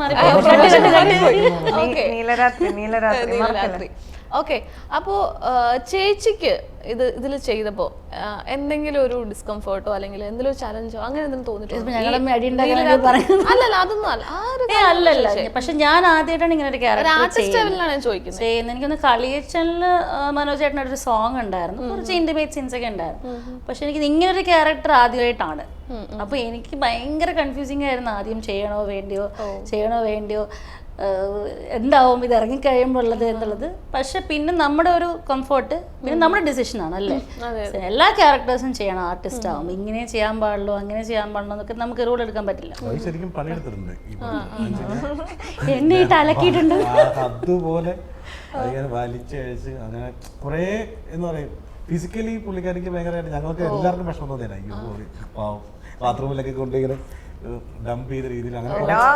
Speaker 1: നീലരാത്രി. ഓക്കെ. അപ്പോ ചേച്ചിക്ക് ഇതിൽ ചെയ്തപ്പോ എന്തെങ്കിലും ഒരു ഡിസ്കംഫോർട്ടോ അല്ലെങ്കിൽ എന്തെങ്കിലും ഒരു ചലഞ്ചോ അങ്ങനെ എന്തെങ്കിലും തോന്നിയിട്ടുണ്ടോ? അല്ലല്ല, അതൊന്നും
Speaker 3: അല്ലല്ല. പക്ഷെ ഞാൻ ആദ്യമായിട്ടാണ് ഇങ്ങനെ ഒരു ക്യാരക്ടർ
Speaker 1: ചോദിക്കുന്നത്.
Speaker 3: എനിക്കൊന്ന് കളിയച്ചനില് മനോജ് ചേട്ടൻ്റെ ഒരു സോങ് ഉണ്ടായിരുന്നു, കുറച്ച് ഇന്റിമേറ്റ് സീൻസ് ഒക്കെ ഉണ്ടായിരുന്നു. പക്ഷെ എനിക്ക് ഇങ്ങനെ ഒരു ക്യാരക്ടർ ആദ്യമായിട്ടാണ്. അപ്പൊ എനിക്ക് ഭയങ്കര കൺഫ്യൂസിങ് ആയിരുന്നു. ആദ്യം ചെയ്യണോ വേണ്ടിയോ എന്താവും ഇത് ഇറങ്ങിക്കഴിയുമ്പോൾ ഉള്ളത് എന്നുള്ളത്. പക്ഷെ പിന്നെ നമ്മുടെ ഒരു കംഫോർട്ട്, പിന്നെ നമ്മുടെ ഡിസിഷനാണ് അല്ലേ. എല്ലാ ക്യാരക്ടേഴ്സും ചെയ്യണം. ആർട്ടിസ്റ്റ് ആവും, ഇങ്ങനെ ചെയ്യാൻ പാടുള്ളൂ അങ്ങനെ ചെയ്യാൻ പാടുള്ളൂ എന്നൊക്കെ നമുക്ക് റൂൾ എടുക്കാൻ പറ്റില്ല. എന്നെ ഇട്ട് അലക്കിയിട്ടുണ്ട്
Speaker 4: അതുപോലെ വലിച്ചഴിച്ച് അങ്ങനെ കുറെ എന്ന് പറയും. ഫിസിക്കലി പുള്ളിക്കാരിക്ക് ഭയങ്കരമായിട്ട് ഞങ്ങൾക്ക് എല്ലാവർക്കും വിഷമം തോന്നിയാണ്. പാവം ബാത്റൂമിലൊക്കെ കൊണ്ടിങ്ങനെ ഡംപ് ചെയ്ത രീതിയിൽ അങ്ങനെ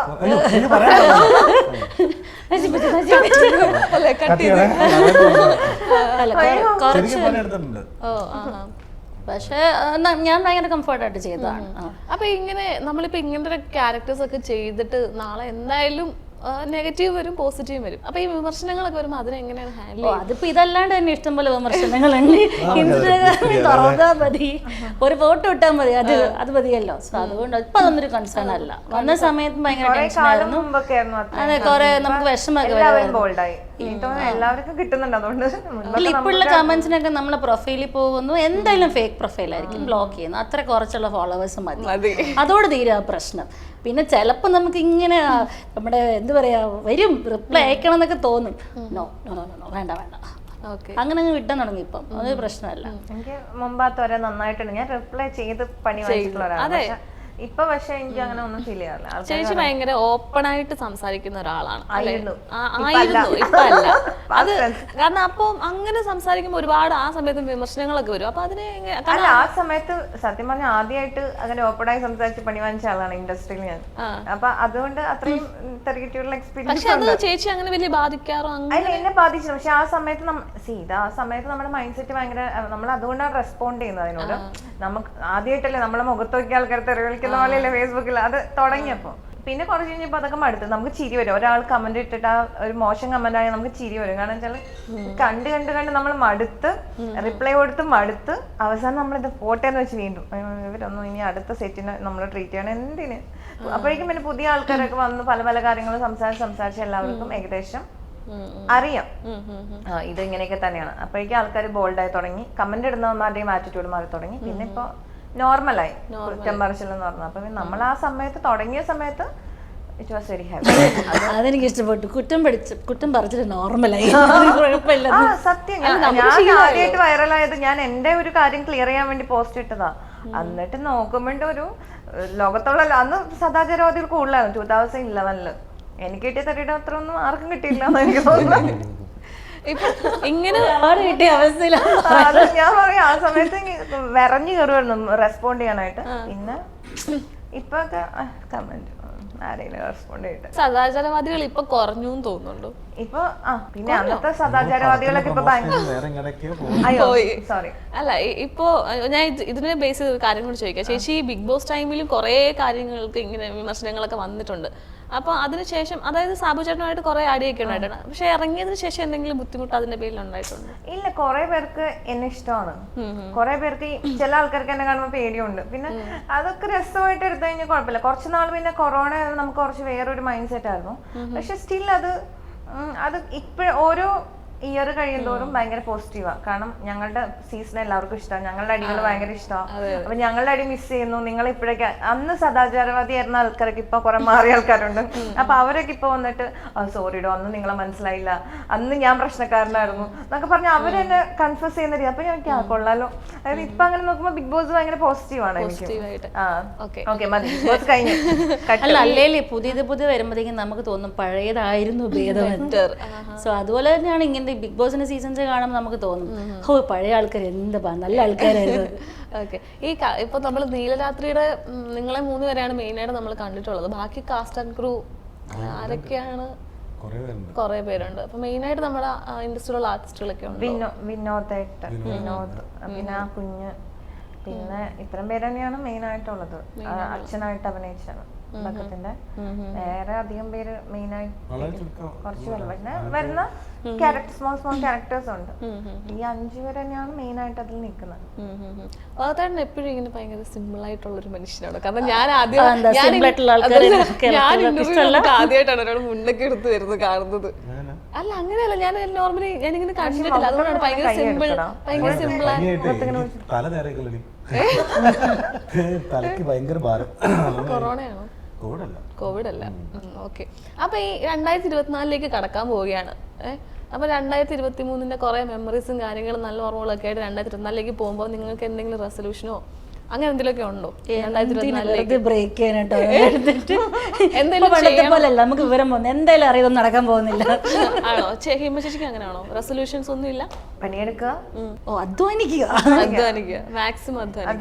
Speaker 3: പക്ഷെ ഞാൻ ഭയങ്കര കംഫർട്ടായിട്ട് ചെയ്തതാണ്.
Speaker 1: അപ്പൊ ഇങ്ങനെ നമ്മളിപ്പോ ഇങ്ങനത്തെ ക്യാരക്ടേഴ്സ് ഒക്കെ ചെയ്തിട്ട് നാളെ എന്തായാലും നെഗറ്റീവ് വരും, പോസിറ്റീവ് വരും. അപ്പൊ ഈ വിമർശനങ്ങളൊക്കെ വരുമ്പോൾ അതിനെങ്ങനെയാണ് ഹാൻഡിൽ ചെയ്യുക?
Speaker 3: അതിപ്പോ ഇതല്ലാണ്ട് തന്നെ ഇഷ്ടംപോലെ വിമർശനങ്ങളുണ്ട്. ഇൻസ്റ്റാഗ്രാമിൽ തുറന്നാ മതി, ഒരു ഫോട്ടോ ഇട്ടാൽ മതി, അത് മതിയല്ലോ. സോ അതുകൊണ്ട് ഇപ്പൊ അതൊന്നൊരു കൺസേൺ അല്ല. വന്ന സമയത്ത് ഭയങ്കര ടെൻഷനായിരുന്നു. അതെ, കുറെ നമുക്ക് വിഷമൊക്കെ ഇപ്പോഴുള്ള കമന്റ്സിനൊക്കെ നമ്മളെ പ്രൊഫൈലിൽ പോകുന്നു, എന്തായാലും ഫേക്ക് പ്രൊഫൈലായിരിക്കും, ബ്ലോക്ക് ചെയ്യുന്നു. അത്ര കുറച്ചുള്ള ഫോളോവേഴ്സ് മതി, അതോട് തീരാ പ്രശ്നം. പിന്നെ ചിലപ്പോൾ നമുക്ക് ഇങ്ങനെ നമ്മുടെ എന്താ പറയാ വരും, റിപ്ലൈ അയക്കണം എന്നൊക്കെ തോന്നും. നോ വേണ്ട അങ്ങനെ അങ്ങ് വിട്ടാൻ തുടങ്ങി. ഇപ്പം അതൊരു പ്രശ്നമല്ല.
Speaker 2: എനിക്ക് മുമ്പാത്തവരെ നന്നായിട്ടുണ്ട്, ഞാൻ റിപ്ലൈ ചെയ്ത് പണി വാങ്ങിയിട്ടുള്ള ഒരാളാണ്. ഇപ്പൊ പക്ഷെ എനിക്ക് അങ്ങനെ ഒന്നും ഫീൽ ചെയ്യാറില്ല.
Speaker 1: ചേച്ചി ഭയങ്കര ഓപ്പൺ ആയിട്ട് സംസാരിക്കുന്ന ഒരാളാണ്. ഇപ്പൊ അല്ല. അത് കാരണം അപ്പൊ അങ്ങനെ സംസാരിക്കുമ്പോ ഒരുപാട് ആ സമയത്ത് വിമർശനങ്ങളൊക്കെ വരും. അപ്പൊ അതിനെ
Speaker 2: അല്ല, ആ സമയത്ത് സത്യം പറഞ്ഞാൽ ആദ്യമായിട്ട് അങ്ങനെ ഓപ്പണായി സംസാരിച്ച് പണി വാങ്ങിച്ച ആളാണ് ഇൻഡസ്ട്രിയിൽ ഞാൻ. അപ്പൊ അതുകൊണ്ട് അത്രയും തെറിയിട്ടുള്ള എക്സ്പീരിയൻസ്
Speaker 1: ചേച്ചി അങ്ങനെ വലിയ ബാധിക്കാറോ?
Speaker 2: അതിൽ എന്നെ ബാധിച്ചു. പക്ഷെ ആ സമയത്ത് ആ സമയത്ത് നമ്മുടെ മൈൻഡ് സെറ്റ് ഭയങ്കര, നമ്മൾ അതുകൊണ്ടാണ് റെസ്പോണ്ട് ചെയ്യുന്നത് അതിനോട്. നമുക്ക് ആദ്യമായിട്ടല്ലേ നമ്മളെ മുഖത്ത് നോക്കിയ ആൾക്കാർ തെറിവിളിക്കുന്ന പോലെയല്ലേ ഫേസ്ബുക്കിൽ അത് തുടങ്ങിയപ്പോ. പിന്നെ കുറച്ച് കഴിഞ്ഞപ്പോൾ അതൊക്കെ മടുത്ത് നമുക്ക് ചിരി വരും. ഒരാൾ കമന്റ് ഇട്ടിട്ട് ആ ഒരു മോശം കമന്റ് ആയാൽ നമുക്ക് ചിരി വരും. കാരണം വെച്ചാൽ കണ്ട് നമ്മൾ മടുത്ത് റിപ്ലൈ കൊടുത്ത് മടുത്ത് അവസാനം നമ്മളിത് പോട്ടെന്ന് വെച്ച് വീണ്ടും ഇവരൊന്നും ഇനി അടുത്ത സെറ്റിന് നമ്മൾ ട്രീറ്റ് ചെയ്യണം എന്തിന്. അപ്പോഴേക്കും പിന്നെ പുതിയ ആൾക്കാരൊക്കെ വന്ന് പല പല കാര്യങ്ങളും സംസാരിച്ച് എല്ലാവർക്കും ഏകദേശം അറിയാം ഇത് ഇങ്ങനെയൊക്കെ തന്നെയാണ്. അപ്പോഴേക്കും ആൾക്കാർ ബോൾഡായി തുടങ്ങി, കമന്റ് ഇടുന്നവന്മാരുടെയും ആറ്റിറ്റ്യൂഡ് മാറി തുടങ്ങി. പിന്നെ ഇപ്പൊ നോർമലായി കുറ്റം പറച്ചില്ലെന്ന് പറഞ്ഞു. അപ്പൊ നമ്മൾ ആ സമയത്ത് തുടങ്ങിയ സമയത്ത് ഇറ്റ് വാസ് വെരി ഹാപ്പി.
Speaker 3: അതെനിക്ക് ഇഷ്ടപ്പെട്ടു. കുറ്റം പറിച്ചിട്ട് നോർമലായി.
Speaker 2: സത്യം, ഞാൻ ആദ്യമായിട്ട് വൈറലായത് ഞാൻ എന്റെ ഒരു കാര്യം ക്ലിയർ ചെയ്യാൻ വേണ്ടി പോസ്റ്റ് ഇട്ടതാ. എന്നിട്ട് നോക്കുമ്പോണ്ട് ഒരു ലോകത്തുള്ള അന്ന് സദാചാരവാദികൾ കൂടുതലായിരുന്നു 2011. എനിക്ക് കിട്ടിയ തട്ടിയുടെ അത്ര ഒന്നും ആർക്കും കിട്ടിയില്ല എന്ന് എനിക്ക് തോന്നുന്നു.
Speaker 1: ഇങ്ങനെ
Speaker 3: കിട്ടിയ അവസ്ഥയിലാണ്
Speaker 2: ഞാൻ പറയാം. ആ സമയത്ത് വിറഞ്ഞു കയറുമായിരുന്നു റെസ്പോണ്ട് ചെയ്യാനായിട്ട്. പിന്നെ ഇപ്പൊ കമന്റ് ആരെങ്കിലും റെസ്പോണ്ട് ചെയ്തിട്ട്.
Speaker 1: സദാചാരവാദികൾ ഇപ്പൊ കുറഞ്ഞു തോന്നുന്നുണ്ടോ?
Speaker 2: ഇപ്പൊ പിന്നെ അന്നത്തെ സദാചാരവാദികളൊക്കെ ഇപ്പൊ
Speaker 4: വേറെ എങ്ങനെയൊക്കെയോ പോകും.
Speaker 1: പോയി.
Speaker 2: സോറി
Speaker 1: അല്ല ഇപ്പോ ഞാൻ ഇതിനെ ബേസ് ചെയ്ത ഒരു കാര്യം കൂടി ചോദിക്കാം. ചേച്ചി ബിഗ് ബോസ് ടൈമിലും കുറെ കാര്യങ്ങൾക്ക് ഇങ്ങനെ വിമർശനങ്ങളൊക്കെ വന്നിട്ടുണ്ട്. അപ്പൊ അതിനുശേഷം അതായത് സാബു ചേട്ടനുമായിട്ട് കുറെ അടിയൊക്കെ ഉണ്ടായിട്ടുണ്ട്. പക്ഷെ ഇറങ്ങിയതിനു ശേഷം എന്തെങ്കിലും ബുദ്ധിമുട്ട് അതിന്റെ പേരിൽ ഉണ്ടായിട്ടുണ്ട്?
Speaker 2: ഇല്ല, കുറെ പേർക്ക് എന്നെ ഇഷ്ടമാണ്. കുറെ പേർക്ക് ചില ആൾക്കാർക്ക് എന്നെ കാണുമ്പോൾ പേടിയുണ്ട്. പിന്നെ അതൊക്കെ രസമായിട്ട് എടുത്തു കഴിഞ്ഞാൽ കുഴപ്പമില്ല. കുറച്ച് നാൾ പിന്നെ കൊറോണ നമുക്ക് കുറച്ച് വേറൊരു മൈൻഡ് സെറ്റ് ആയിരുന്നു. പക്ഷെ സ്റ്റിൽ അത് ഇപ്പോഴും ഓരോ ഇയർ കഴിയുന്തോറും ഭയങ്കര പോസിറ്റീവാണ്. കാരണം ഞങ്ങളുടെ സീസൺ എല്ലാവർക്കും ഇഷ്ടമാണ്, ഞങ്ങളുടെ അടികൾ ഭയങ്കര ഇഷ്ടമാണ്. അപ്പൊ ഞങ്ങളുടെ അടി മിസ് ചെയ്യുന്നു. നിങ്ങൾ ഇപ്പോഴേക്ക് അന്ന് സദാചാരവാദി ആയിരുന്ന ആൾക്കാരൊക്കെ ഇപ്പൊ കുറെ മാറിയ ആൾക്കാരുണ്ട്. അപ്പൊ അവരൊക്കെ ഇപ്പൊ വന്നിട്ട് സോറിഡോ അന്ന് നിങ്ങളെ മനസ്സിലായില്ല, അന്ന് ഞാൻ പ്രശ്നക്കാരനായിരുന്നു എന്നൊക്കെ പറഞ്ഞ് അവരെന്നെ കൺഫ്യൂസ് ചെയ്യുന്ന രീതി. അപ്പൊ ഞാൻ കൊള്ളാലോ. അതായത് ഇപ്പൊ അങ്ങനെ നോക്കുമ്പോ ബിഗ് ബോസ് ഭയങ്കര പോസിറ്റീവാണ് എനിക്ക്. ഓക്കെ മതി, ബിഗ് ബോസ് കഴിഞ്ഞു.
Speaker 3: അല്ല അല്ലേലേ പുതിയത് വരുമ്പോഴത്തേക്കും നമുക്ക് തോന്നും പഴയതായിരുന്നു ഭേദമെന്ന്. സോ അതുപോലെ തന്നെയാണ് ഇങ്ങനെ ബിഗ് ബോസിന്റെ സീസൺസ് കാണുമ്പോൾ നമുക്ക് തോന്നും പഴയ ആൾക്കാർ എന്താ നല്ല ആൾക്കാരായിരുന്നു.
Speaker 1: ഓക്കെ, ഇപ്പൊ നമ്മൾ നീലരാത്രിയുടെ നിങ്ങളെ 3 പേരെയാണ് മെയിനായിട്ട് നമ്മൾ കണ്ടിട്ടുള്ളത്. ബാക്കി കാസ്റ്റ് ആൻഡ് ക്രൂ ആരൊക്കെയാണ്? കുറെ പേരുണ്ട്. അപ്പൊ മെയിനായിട്ട് നമ്മുടെ ഇൻഡസ്ട്രിയിലുള്ള ആർട്ടിസ്റ്റുകളൊക്കെ ഉണ്ട്.
Speaker 2: വിനോദ്, പിന്നെ കുഞ്ഞ്, പിന്നെ ഇത്രയും പേര് തന്നെയാണ് മെയിൻ ആയിട്ടുള്ളത്. അച്ഛനായിട്ട് അഭിനയിച്ചാണ് ബക്കത്തിന്റെ. വേറെ അധികം പേര് മെയിൻ ആയിട്ട് കുറച്ച് പേര് പിന്നെ വരുന്ന സ്മോൾ ക്യാരക്ടേഴ്സ് ഉണ്ട്. ഈ 5 പേര് തന്നെയാണ് മെയിൻ ആയിട്ട് അതിൽ നിൽക്കുന്നത്.
Speaker 1: അതാണ് എപ്പോഴും ഇങ്ങനെ ഭയങ്കര സിമ്പിൾ ആയിട്ടുള്ള ഒരു മനുഷ്യനാണ്. കാരണം ഞാൻ ആദ്യമായിട്ടാണ് ഒരാൾ മുന്നൊക്കെ എടുത്ത് വരുന്നത് കാണുന്നത്. അല്ല അങ്ങനെയല്ല, ഞാൻ നോർമലി ഞാനിങ്ങനെ കണ്ടിട്ടില്ല. അതുകൊണ്ടാണ് ഭയങ്കര സിമ്പിൾ കൊറോണയാണോ? കോവിഡ് അല്ല. ഓക്കെ, അപ്പൊ ഈ 2024 കടക്കാൻ പോവുകയാണ്. അപ്പൊ 2023 കുറെ മെമ്മറീസും കാര്യങ്ങളും നല്ല ഓർമ്മകളൊക്കെ ആയിട്ട് 2024 പോകുമ്പോൾ നിങ്ങൾക്ക് എന്തെങ്കിലും റെസൊല്യൂഷനോ അങ്ങനെ എന്തെങ്കിലുമൊക്കെ ഉണ്ടോ? 2024
Speaker 3: ബ്രേക്ക് ചെയ്യാനായിട്ടോ പോലല്ല, നമുക്ക് വിവരം പോകുന്നു എന്തായാലും അറിയാതൊന്നും നടക്കാൻ പോകുന്നില്ല.
Speaker 1: ആണോ? ഹിമ ചേച്ചിക്ക് അങ്ങനെയാണോ? റെസൊല്യൂഷൻസ് ഒന്നും ഇല്ല?
Speaker 2: പണിയെടുക്കുക,
Speaker 3: അധ്വാനിക്കുക,
Speaker 1: മാക്സിമം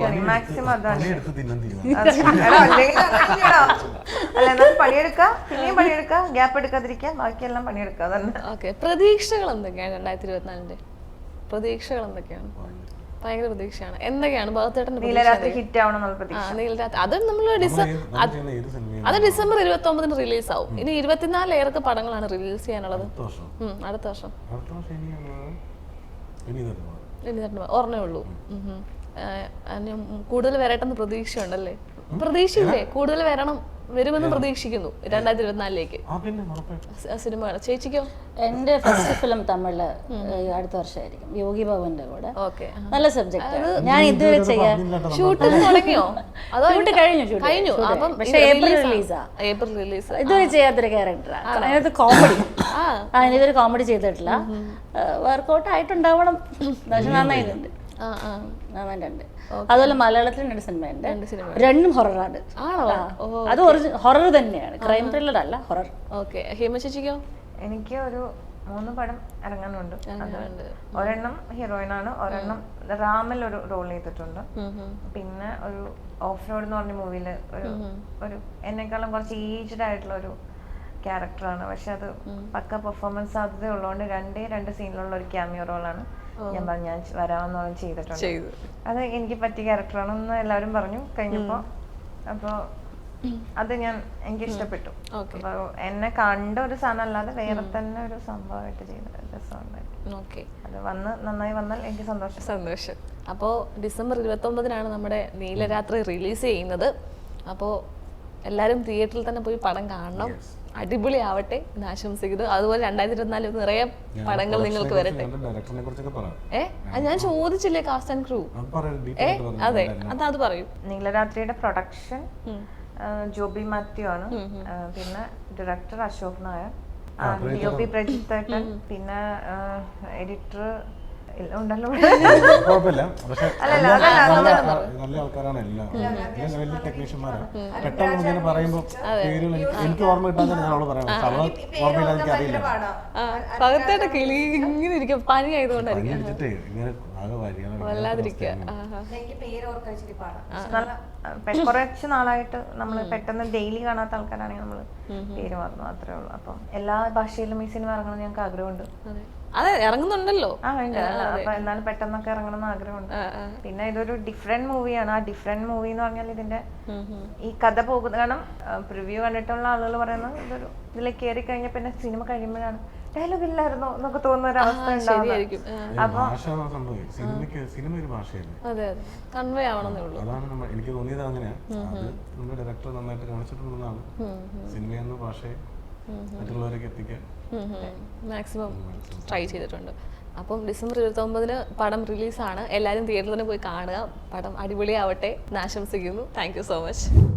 Speaker 2: പണിയെടുക്കുക, പിന്നെയും പണിയെടുക്കുക, ഗ്യാപ്പ് എടുക്കാതിരിക്കുക, ബാക്കിയെല്ലാം പണിയെടുക്കുക. അതന്നെ.
Speaker 1: ഓക്കെ, പ്രതീക്ഷകൾ എന്തൊക്കെയാണ് 2024? പ്രതീക്ഷകൾ എന്തൊക്കെയാണ്? ഭയങ്കര പ്രതീക്ഷയാണ്. എന്തൊക്കെയാണ് ഭാഗത്തേട്ടന്റെ
Speaker 2: നീലരാത്രി ഹിറ്റ് ആവണമെന്നുള്ള പ്രതീക്ഷ?
Speaker 1: നീലരാത്രി അത് നമ്മൾ അത് ഡിസംബർ 29 റിലീസ് ആവും. ഇനി 24 ഏറൊക്കെ പടങ്ങളാണ് റിലീസ് ചെയ്യാനുള്ളത് അടുത്ത വർഷം. ഓർമ്മേ ഉള്ളൂ. കൂടുതൽ വരട്ടെന്ന് പ്രതീക്ഷയുണ്ടല്ലേ? പ്രതീക്ഷയില്ലേ? കൂടുതൽ വരുമെന്ന് പ്രതീക്ഷിക്കുന്നു 2024 സിനിമ. ചേച്ചിക്കോ?
Speaker 3: എന്റെ ഫസ്റ്റ് ഫിലിം തമിഴില് അടുത്ത വർഷമായിരിക്കും, യോഗി ബാബുവിന്റെ കൂടെ. നല്ല സബ്ജക്ട്. ഞാൻ ഇതുവരെ ചെയ്യാൻ
Speaker 1: ഷൂട്ടിംഗ് തുടങ്ങിയോ?
Speaker 3: കഴിഞ്ഞു. പക്ഷെ ഏപ്രിൽ റിലീസ്. ഇതുവരെ ചെയ്യാത്തൊരു ക്യാരക്ടറാണ്. അതിനകത്ത് കോമഡി, ഇതൊരു കോമഡി ചെയ്തിട്ടില്ല. വർക്കൗട്ട് ആയിട്ടുണ്ടാവണം, പക്ഷെ നന്നായിട്ടുണ്ട്. അതുപോലെ മലയാളത്തിൽ 2 സിനിമയുണ്ട്, 2 ഹൊററാണ്. അത് ഹൊറർ തന്നെയാണ്, ക്രൈം ത്രില്ലർ അല്ല, ഹൊറർ.
Speaker 1: ഓക്കെ, ഹിമ ചേച്ചിക്കോ?
Speaker 2: എനിക്ക് ഒരു 3 പടം ഇറങ്ങാനുണ്ട്. ഒരെണ്ണം ഹീറോയിനാണ്, ഒരെണ്ണം റാമിൽ ഒരു റോൾ ചെയ്തിട്ടുണ്ട്. പിന്നെ ഒരു ഓഫ് റോഡ് എന്ന് പറഞ്ഞ മൂവിയില് ഒരു എന്നെക്കാളും കുറച്ച് ഏജ്ഡ് ആയിട്ടുള്ള ഒരു ക്യാരക്ടറാണ്. പക്ഷെ അത് പക്ക പെർഫോമൻസ് സാധ്യത ഉള്ളതുകൊണ്ട് 2 സീനിലുള്ള ഒരു ക്യാമിയോ റോളാണ് ഞാൻ വരാമെന്ന് പറഞ്ഞ് ചെയ്തിട്ടുണ്ട്. അത് എനിക്ക് പറ്റിയ ക്യാരക്ടറാണെന്ന് എല്ലാവരും പറഞ്ഞു കഴിഞ്ഞപ്പോ. അപ്പൊ അത് എനിക്ക് ഇഷ്ടപ്പെട്ടു. അപ്പൊ എന്നെ കണ്ട ഒരു സാധനം അല്ലാതെ വേറെ തന്നെ ഒരു സംഭവമായിട്ട് ചെയ്ത രസമുണ്ടായിരുന്നു. അത് നന്നായി വന്നാൽ എനിക്ക് സന്തോഷം.
Speaker 1: അപ്പോ ഡിസംബർ 29 നമ്മുടെ നീലരാത്രി റിലീസ് ചെയ്യുന്നത്. അപ്പോ എല്ലാരും തിയേറ്ററിൽ തന്നെ പോയി പടം കാണണം. അടിപൊളി ആവട്ടെ എന്ന് ആശംസിക്കുന്നു. അതുപോലെ 2024 നിറയെ പടങ്ങൾ നിങ്ങൾക്ക് വരട്ടെ. ഞാൻ ചോദിച്ചില്ലേ കാസ്റ്റ് ആൻഡ് ക്രൂ? അതെ, അത് പറയൂ.
Speaker 2: നീലരാത്രിയുടെ പ്രൊഡക്ഷൻ ജോബി മാത്യു ആണ്. പിന്നെ ഡയറക്ടർ അശോക് നായർ, DOP പ്രജിത്ത് ഏട്ടൻ, പിന്നെ എഡിറ്റർ ഇല്ല ഉണ്ടല്ലോ.
Speaker 4: കുഴപ്പമില്ല. പക്ഷെ
Speaker 2: അല്ലല്ല,
Speaker 4: നല്ല ആൾക്കാരാണ് എല്ലാം. വലിയ ടെക്നീഷ്യന്മാരാണ്. പെട്ടെന്ന് ഇങ്ങനെ പറയുമ്പോൾ പേരുകൾ എനിക്ക് ഓർമ്മ കിട്ടാൻ തന്നെ ഞാൻ അവള് പറയാം. അവളെ ഓർമ്മയില്ല, എനിക്ക് അറിയില്ല.
Speaker 1: പകത്തേട്ട കിളി ഇങ്ങനെ ഇരിക്കും, പനി ആയതുകൊണ്ടായിരിക്കും
Speaker 4: വെച്ചിട്ടേ ഇങ്ങനെ ആകെ
Speaker 1: വല്ലാതിരിക്കുക.
Speaker 2: കുറച്ച് നാളായിട്ട് നമ്മൾ പെട്ടെന്ന് ഡെയിലി കാണാത്ത ആൾക്കാരാണെങ്കിൽ നമ്മൾ പേര് മറന്നു, അത്രേ ഉള്ളൂ. അപ്പം എല്ലാ ഭാഷയിലും ഈ സിനിമ ഇറങ്ങണം ഞങ്ങൾക്ക് ആഗ്രഹമുണ്ട്.
Speaker 1: അതെ, ഇറങ്ങുന്നുണ്ടല്ലോ.
Speaker 2: അപ്പൊ എന്നാലും പെട്ടെന്നൊക്കെ ഇറങ്ങണം എന്ന് ആഗ്രഹമുണ്ട്. പിന്നെ ഇതൊരു ഡിഫറെന്റ് മൂവിയാണ്. ആ ഡിഫറെന്റ് മൂവി എന്ന് പറഞ്ഞാൽ ഇതിന്റെ ഈ കഥ പോകുന്നത്, കാരണം പ്രിവ്യൂ കണ്ടിട്ടുള്ള ആളുകൾ പറയുന്നത് ഇതൊരു ഇതിലേക്ക് കയറി കഴിഞ്ഞ പിന്നെ സിനിമ കഴിയുമ്പോഴാണ് ഡയലോഗ് ഇല്ലായിരുന്നോ എന്നൊക്കെ തോന്നുന്ന ഒരു അവസ്ഥ ഉണ്ടാവും.
Speaker 4: സിനിമ ഒരു ഭാഷയല്ലേ,
Speaker 1: കൺവേ ആവണമെന്നേ ഉള്ളൂ.
Speaker 4: അതാണ് എനിക്ക് തോന്നിയത്. അങ്ങനെയാണ് അത് നമ്മുടെ ഡയറക്ടർ നന്നായിട്ട് കാണിച്ചിട്ടുള്ളതാണ്. സിനിമ എന്ന ഭാഷയെ മറ്റുള്ളവരേക്ക് എത്തിക്കാൻ
Speaker 1: മാക്സിമം ട്രൈ ചെയ്തിട്ടുണ്ട്. അപ്പം ഡിസംബർ 29 പടം റിലീസാണ്. എല്ലാവരും തിയേറ്ററിൽ തന്നെ പോയി കാണുക. പടം അടിപൊളിയാവട്ടെ എന്ന് ആശംസിക്കുന്നു. Thank you so much.